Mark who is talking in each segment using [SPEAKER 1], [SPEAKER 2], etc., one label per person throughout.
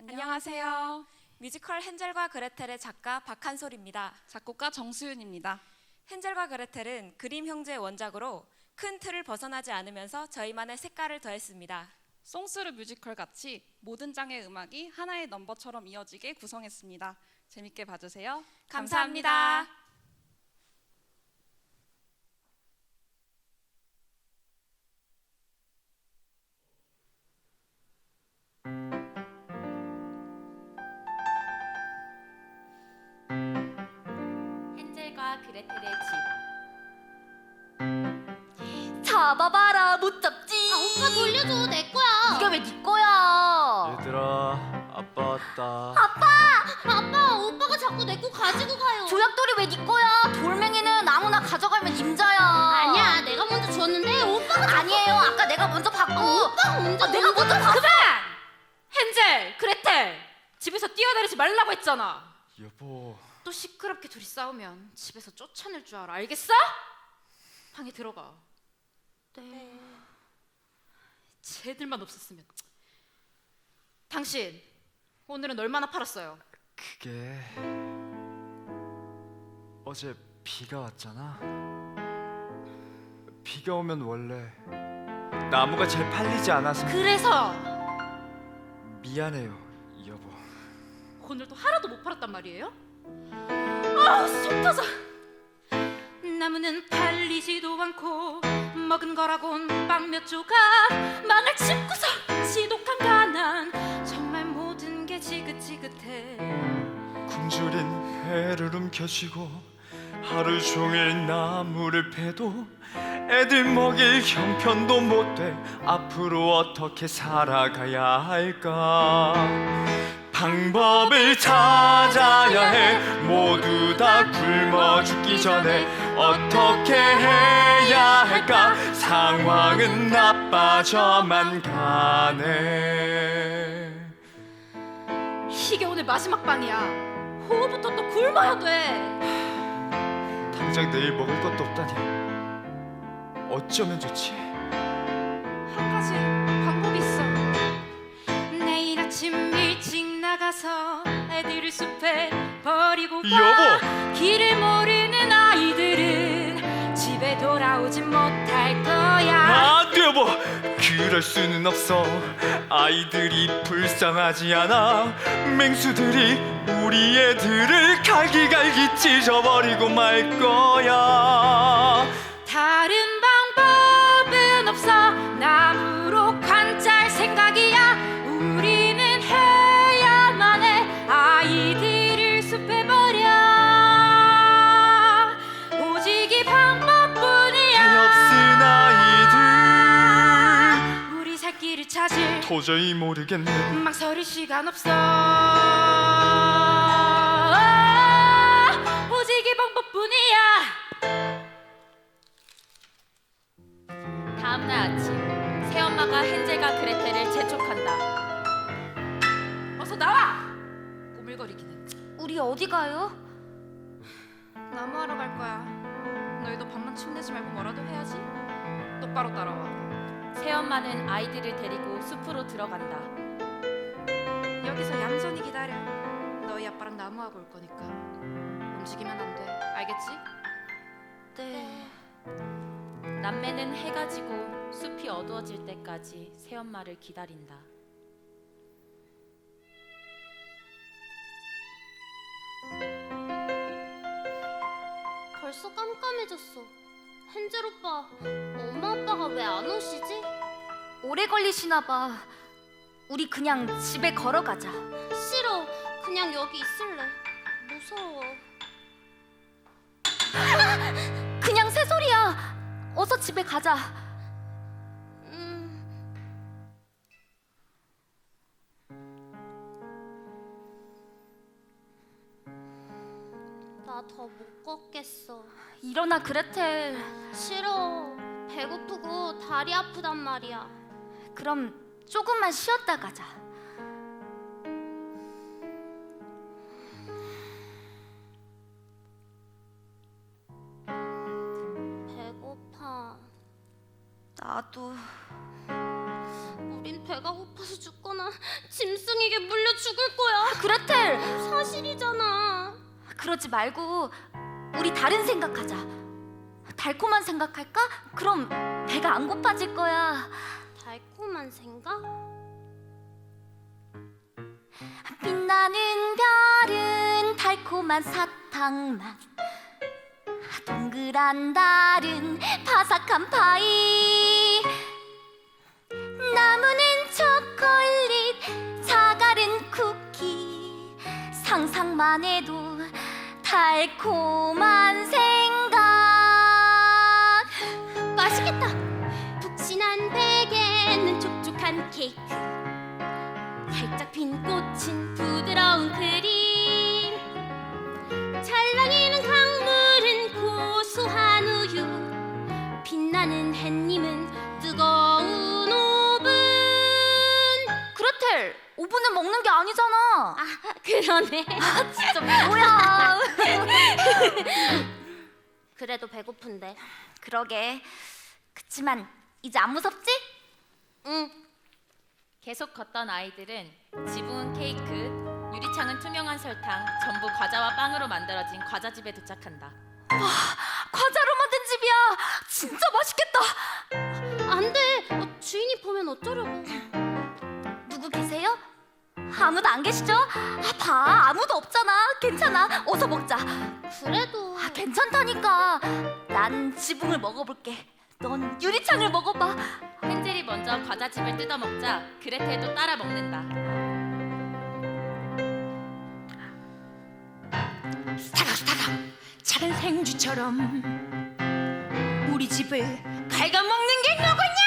[SPEAKER 1] 안녕하세요. 뮤지컬 헨젤과 그레텔의 작가 박한솔입니다.
[SPEAKER 2] 작곡가 정수윤입니다.
[SPEAKER 1] 헨젤과 그레텔은 그림 형제의 원작으로 큰 틀을 벗어나지 않으면서 저희만의 색깔을 더했습니다.
[SPEAKER 2] 송스루 뮤지컬 같이 모든 장의 음악이 하나의 넘버처럼 이어지게 구성했습니다. 재밌게 봐주세요.
[SPEAKER 1] 감사합니다.
[SPEAKER 3] 헨젤과 그레텔의 집. 잡아봐라, 못 잡지.
[SPEAKER 4] 오빠 돌려줘, 내 거야.
[SPEAKER 3] 이게 왜 네 거야?
[SPEAKER 5] 얘들아, 아빠 왔다.
[SPEAKER 4] 아빠, 오빠가 자꾸 내 거 가지고 가요.
[SPEAKER 3] 조약돌이 왜 네 거야? 돌멩이는 아무나 가져가면 임자야.
[SPEAKER 4] 아니야, 내가 먼저 줬는데 오빠가
[SPEAKER 3] 아니에요. 아까 내가 먼저 받고.
[SPEAKER 4] 오빠가 먼저
[SPEAKER 3] 내가 먼저 받고.
[SPEAKER 6] 헨젤, 그레텔! 집에서 뛰어다니지 말라고 했잖아.
[SPEAKER 5] 여보,
[SPEAKER 6] 또 시끄럽게 둘이 싸우면 집에서 쫓아낼 줄 알아. 알겠어? 방에 들어가.
[SPEAKER 4] 네.
[SPEAKER 6] 쟤들만 없었으면. 당신, 오늘은 얼마나 팔았어요?
[SPEAKER 5] 그게 어제 비가 왔잖아. 비가 오면 원래 나무가 잘 팔리지 않아서
[SPEAKER 6] 그래서
[SPEAKER 5] 미안해요, 여보.
[SPEAKER 6] 오늘도 하나도 못 팔았단 말이에요? 아, 속 터져! 나무는 팔리지도 않고 먹은 거라곤 빵 몇 조각, 망할 집구석, 지독한 가난, 정말 모든 게 지긋지긋해.
[SPEAKER 5] 굶주린 배를 움켜쥐고 하루 종일 나무를 패도 애들 먹일 형편도 못 돼. 앞으로 어떻게 살아가야 할까? 방법을 찾아야 해. 모두 다 굶어 죽기 전에 어떻게 해야 할까? 상황은 나빠져만 가네.
[SPEAKER 6] 이게 오늘 마지막 방이야. 오후부터 또 굶어야 돼.
[SPEAKER 5] 당장 내일 먹을 것도 없다니 어쩌면 좋지?
[SPEAKER 6] 한 가지 방법이 있어. 내일 아침 일찍 나가서 애들을 숲에 버리고 가.
[SPEAKER 5] 여보!
[SPEAKER 6] 길을 모르는 아이들은 집에 돌아오진 못할 거야.
[SPEAKER 5] 안 돼, 여보! 그럴 수는 없어. 아이들이 불쌍하지 않아. 맹수들이 우리 애들을 갈기갈기 찢어버리고 말 거야.
[SPEAKER 6] 다른 방법은 없어. 나무로 관찰 생각이야. 우리는 해야만 해. 아이들을 숲에 버려. 오직 이 방법뿐이야.
[SPEAKER 5] 없은 아이들
[SPEAKER 6] 우리 살 길을 찾을
[SPEAKER 5] 도저히 모르겠네.
[SPEAKER 6] 망설일 시간 없어. 오직 이 방법뿐이야.
[SPEAKER 3] 다음날 아침, 새엄마가 헨젤과 그레텔을 재촉한다.
[SPEAKER 6] 어서 나와. 꼬물거리기는.
[SPEAKER 3] 우리 어디 가요?
[SPEAKER 6] 나무하러 갈 거야. 너희도 밤만 침내지 말고 뭐라도 해야지. 똑바로 따라와.
[SPEAKER 3] 새엄마는 아이들을 데리고 숲으로 들어간다.
[SPEAKER 6] 여기서 얌전히 기다려. 너희 아빠랑 나무하고 올 거니까. 움직이면 안 돼. 알겠지?
[SPEAKER 3] 네. 남매는 해가 지고 숲이 어두워질 때까지 새엄마를 기다린다.
[SPEAKER 4] 벌써 깜깜해졌어. 헨젤 오빠, 엄마 아빠가 왜 안 오시지?
[SPEAKER 3] 오래 걸리시나 봐. 우리 그냥 집에 걸어가자.
[SPEAKER 4] 싫어, 그냥 여기 있을래. 무서워.
[SPEAKER 3] 그냥 새소리야. 어서 집에 가자.
[SPEAKER 4] 나 더 못 걷겠어.
[SPEAKER 3] 일어나, 그레텔.
[SPEAKER 4] 싫어. 배고프고 다리 아프단 말이야.
[SPEAKER 3] 그럼 조금만 쉬었다 가자.
[SPEAKER 4] 배고파.
[SPEAKER 3] 나도.
[SPEAKER 4] 우린 배가 고파서 죽거나 짐승에게 물려 죽을 거야.
[SPEAKER 3] 그레텔,
[SPEAKER 4] 사실이잖아.
[SPEAKER 3] 그러지 말고 우리 다른 생각하자. 달콤한 생각할까? 그럼 배가 안 고파질 거야.
[SPEAKER 4] 달콤한 생각?
[SPEAKER 3] 빛나는 별은 달콤한 사탕 맛, 동그란 달은 바삭한 파이, 나무는 초콜릿, 사과는 쿠키. 상상만 해도 달콤한 생각.
[SPEAKER 4] 맛있겠다. 푹신한 베개는 촉촉한 케이크, 살짝 핀 꽃은 부드러운 크림, 찰랑이는 강물은 고소한 우유, 빛나는 햇님은 뜨거운 오븐.
[SPEAKER 3] 그레텔, 오븐은 먹는 게 아니잖아.
[SPEAKER 4] 아, 그러네.
[SPEAKER 3] 진짜 뭐야.
[SPEAKER 4] 그래도 배고픈데.
[SPEAKER 3] 그러게. 그치만 이제 안 무섭지?
[SPEAKER 4] 응.
[SPEAKER 7] 계속 걷던 아이들은 지붕은 케이크, 유리창은 투명한 설탕, 전부 과자와 빵으로 만들어진 과자집에 도착한다.
[SPEAKER 3] 과자로 만든 집이야. 진짜 맛있겠다.
[SPEAKER 4] 안 돼. 주인이 보면 어쩌려고.
[SPEAKER 3] 누구 계세요? 아무도 안 계시죠? 봐, 아무도 없잖아. 괜찮아. 어서 먹자.
[SPEAKER 4] 그래도
[SPEAKER 3] 괜찮다니까. 난 지붕을 먹어볼게. 넌 유리창을 먹어봐.
[SPEAKER 7] 헨젤이 먼저 과자집을 뜯어먹자 그레텔도 따라 먹는다.
[SPEAKER 8] 스타각스타각 작은 생쥐처럼 우리 집을 갉아먹는 게 누구냐?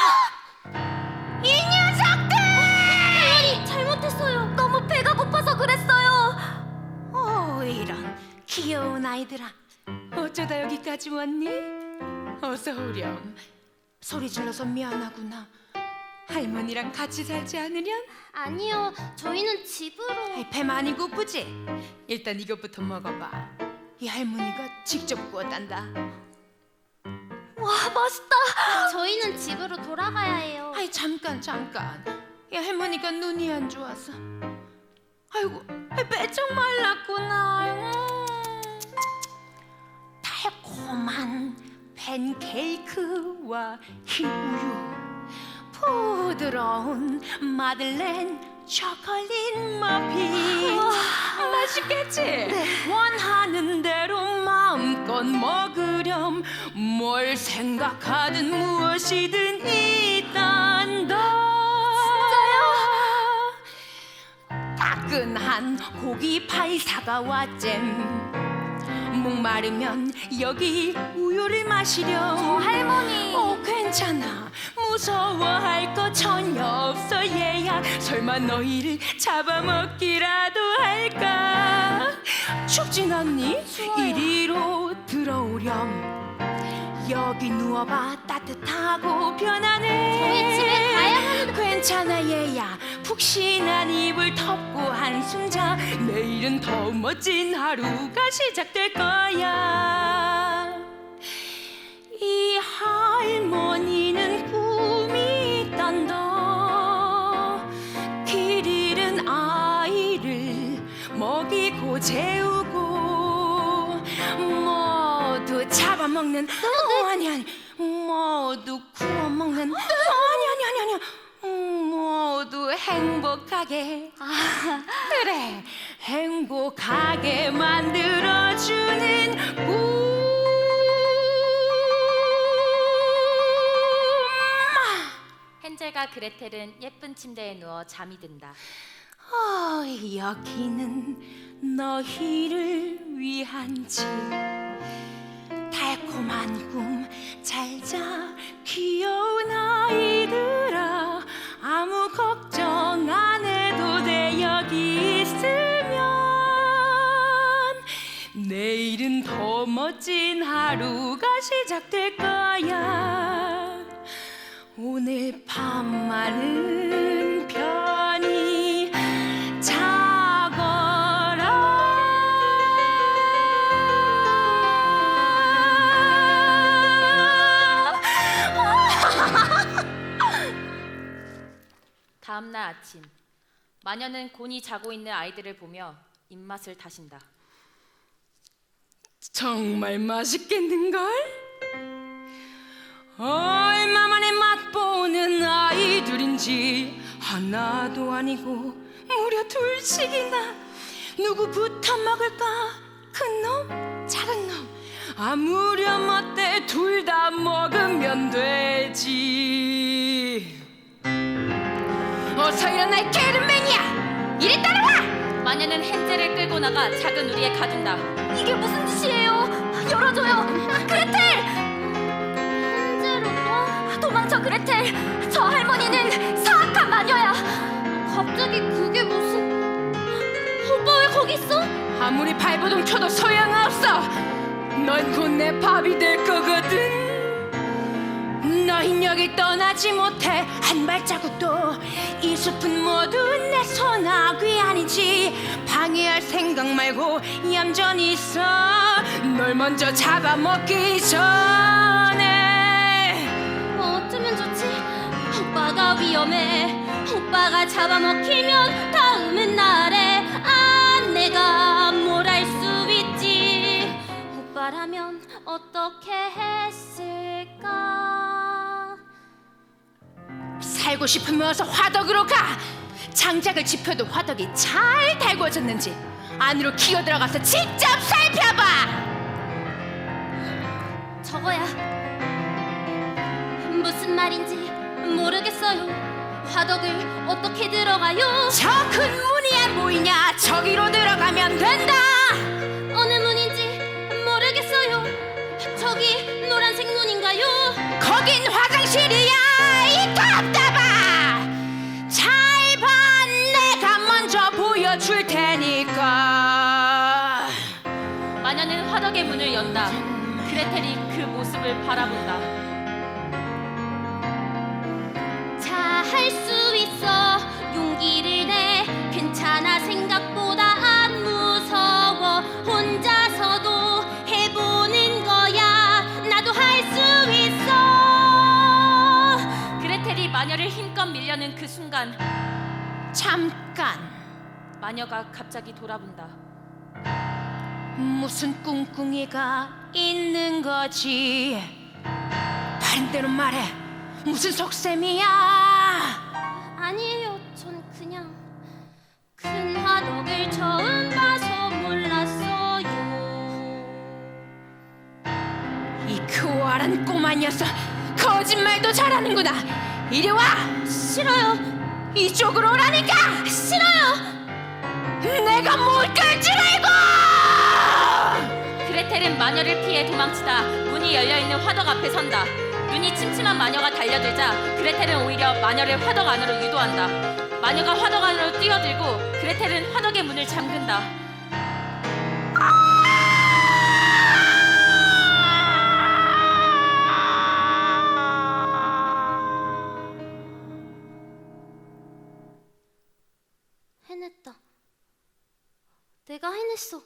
[SPEAKER 8] 이 녀석들!
[SPEAKER 4] 할머니 잘못했어요.
[SPEAKER 3] 너무 배가 고파서 그랬어요.
[SPEAKER 8] 이런 귀여운 아이들아, 어쩌다 여기까지 왔니? 어서 오렴. 소리 질러서 미안하구나. 할머니랑 같이 살지 않으련?
[SPEAKER 4] 아니요. 저희는 집으로.
[SPEAKER 8] 배 많이 고프지? 일단 이것부터 먹어봐. 이 할머니가 직접 구웠단다.
[SPEAKER 3] 와, 맛있다.
[SPEAKER 4] 저희는 집으로 돌아가야 해요.
[SPEAKER 8] 아이 잠깐. 이 할머니가 눈이 안 좋아서. 아이고, 빼쩍 말랐구나. 달콤한 팬케이크와 흰 우유, 부드러운 마들렌 초콜릿 머핀. 맛있겠지? 원하는 대로 마음껏 먹으렴. 뭘 생각하든 무엇이든 있단다. 따끈한 고기 파이 사과와 잼, 목마르면 여기 우유를 마시렴.
[SPEAKER 3] 할머니.
[SPEAKER 8] 괜찮아. 무서워할 거 전혀 없어 얘야. 설마 너희를 잡아먹기라도 할까? 춥진 않니? 이리로 들어오렴. 여기 누워봐. 따뜻하고 편안해.
[SPEAKER 4] 저희 집에 가야 하는데.
[SPEAKER 8] 괜찮아 얘야. 푹신한 이불 덮고 한숨 자. 내일은 더 멋진 하루가 시작될 거야. 이 할머니는 꿈이 있단다. 길 잃은 아이를 먹이고 재우고, 모두 잡아먹는 아니 모두 구워먹는 아니 모두 행복하게, 그래, 행복하게 만들어주는 꿈.
[SPEAKER 7] 헨젤과 그레텔은 예쁜 침대에 누워 잠이 든다.
[SPEAKER 8] 여기는 너희를 위한 집. 달콤한 꿈 잘 자, 귀여운 아이들아. 아무 걱정 안 해도 돼. 여기 있으면 내일은 더 멋진 하루가 시작될 거야. 오늘 밤만은 편히 자거라.
[SPEAKER 7] 아침. 마녀는 곤히 자고 있는 아이들을 보며 입맛을 다신다.
[SPEAKER 8] 정말 맛있겠는걸? 얼마만에 맛보는 아이들인지 하나도 아니고 무려 둘씩이나. 누구부터 먹을까? 큰 놈? 작은 놈? 아무렴 어때? 둘 다 먹으면 되지. 어서 일어나 이 게으름맹이야! 이리 따라와!
[SPEAKER 7] 마녀는 헨젤을 끌고 나가 작은 우리에 가둔다.
[SPEAKER 3] 이게 무슨 짓이에요? 열어줘요. 그레텔!
[SPEAKER 4] 헨젤 오빠?
[SPEAKER 3] 도망쳐 그레텔. 저 할머니는 사악한 마녀야.
[SPEAKER 4] 갑자기 그게 무슨... 오빠 왜 거기 있어?
[SPEAKER 8] 아무리 발버둥 쳐도 소용없어. 넌 곧 내 밥이 될 거거든. 너흰 여길 떠나지 못해 한 발자국도. 이 숲은 모두 내 소나귀 아니지. 방해할 생각 말고 얌전히 있어. 널 먼저 잡아먹기 전에.
[SPEAKER 4] 어쩌면 좋지? 오빠가 위험해. 오빠가 잡아먹히면 다음은 나래. 아, 내가 뭘 할 수 있지? 오빠라면 어떻게 했을까?
[SPEAKER 8] 살고 싶으면 어서 화덕으로 가. 장작을 짚어도 화덕이 잘 달궈졌는지 안으로 기어 들어가서 직접 살펴봐.
[SPEAKER 4] 저거야. 무슨 말인지 모르겠어요. 화덕을 어떻게 들어가요?
[SPEAKER 8] 저 큰 문이 안 보이냐? 저기로 들어가면 된다.
[SPEAKER 4] 어느 문인지 모르겠어요. 저기 노란색 문인가요?
[SPEAKER 8] 거긴 화장실이야. 이 답답아. 잘 봐. 내가 먼저 보여줄 테니까.
[SPEAKER 7] 마녀는 화덕의 문을 연다. 그레텔이 그 모습을 바라본다.
[SPEAKER 4] 자, 할 수 있어. 용기를 내. 괜찮아. 생각보다 안 무서워. 혼자서도 해보는 거야. 나도 할 수 있어.
[SPEAKER 7] 그레텔이 마녀를 힘껏 밀려는 그 순간
[SPEAKER 8] 잠깐.
[SPEAKER 7] 마녀가 갑자기 돌아본다.
[SPEAKER 8] 무슨 꿍꿍이가 있는 거지? 다른 대로 말해. 무슨 속셈이야?
[SPEAKER 4] 아니에요. 전 그냥 큰 화덕을 처음 봐서 몰랐어요.
[SPEAKER 8] 이 교활한 꼬마 녀석, 거짓말도 잘하는구나. 이리 와.
[SPEAKER 4] 싫어요.
[SPEAKER 8] 이쪽으로 오라니까.
[SPEAKER 4] 싫어요.
[SPEAKER 8] 내가 못 끌 줄 알고.
[SPEAKER 7] 그레텔은 마녀를 피해 도망치다 문이 열려있는 화덕 앞에 선다. 눈이 침침한 마녀가 달려들자 그레텔은 오히려 마녀를 화덕 안으로 유도한다. 마녀가 화덕 안으로 뛰어들고 그레텔은 화덕의 문을 잠근다.
[SPEAKER 4] 해냈다. 내가 해냈어.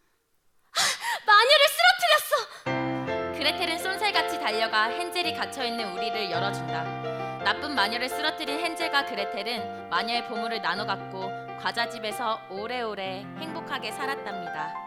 [SPEAKER 4] 마녀를 쓰러뜨렸어.
[SPEAKER 7] 그레텔은 쏜살같이 달려가 헨젤이 갇혀있는 우리를 열어준다. 나쁜 마녀를 쓰러뜨린 헨젤과 그레텔은 마녀의 보물을 나눠 갖고 과자집에서 오래오래 행복하게 살았답니다.